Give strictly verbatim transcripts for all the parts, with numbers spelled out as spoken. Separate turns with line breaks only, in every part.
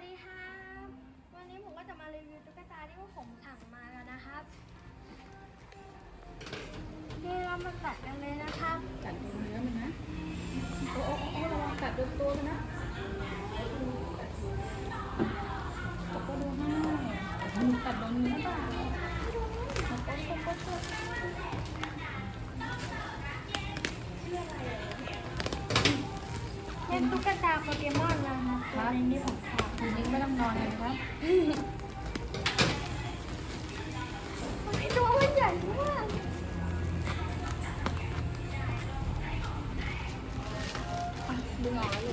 ดีครับวันนี้ผมก็จะมารีวิวตุ๊กตาที่ว่าผมสั่งมาแล้วนะครับนี่เรามาตัดกันเลยนะครับ
กัดโดนเนื้อมันนะโอ้โอ้โอ้ระวังกัดโดนตัวมันนะตกก็ดูให้กัดโดนเนื้อเปล่าโอ๊ยโอ๊ยโอ๊ยโอ๊ย
เป็นตุ๊กตาโปเกมอนนะครับตัวนี้ผมชอบ
คืนนี้ไม่ต้องนอนเลยนะครับ
ตัวมันใหญ่มากดึงออกแล้วลูก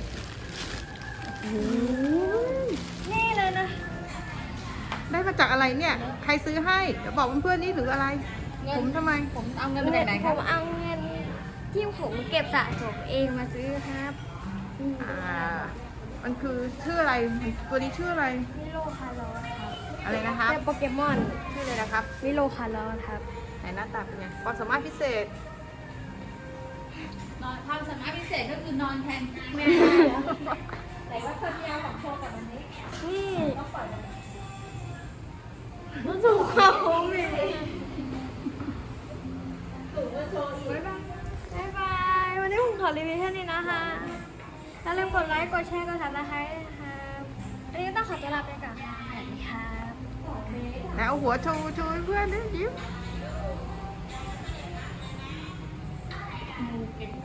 นี่เลยนะ
ได้มาจากอะไรเนี่ย ใครซื้อให้ เดี๋ยวบอกเพื่อนๆนี่หรืออะไร ผมทำไม
ผมเอาเงินมาจากไหนค
ผ
รับ
มเอาเงินที่ผมเก็บสะสมเองมาซื้อครับ
อ่า มันคือชื่ออะไร ตัวนี้ชื่ออะไร
มิโลคาร์ลอสครับ
อะไรนะครับ
เป็นโปเกมอน
ชื่ออะไรนะครับ
มิโลคาร์ลอสครับ
ไหนหน้าตาเป็นไงความสามารถพิเศษ
นอนความสามารถพิเศษก็คือนอนแทนที่แม่แต่ว่าคนเดียวของโชว์กับวันนี้
นี่รู้สึกว่าผมมีบ๊ายบาย วันนี้ผมขอรีวิวแค่นี้นะคะอย่าลืมกดไลค์ กดแชร์ กดซับสไครต์นะครับวันนี้ต้องขอตัวลาไปก่อนค่ะสวัสดีครับ
แล้วเอาหัวโชว์โชว์ให้เพื่อนดิยิ้ม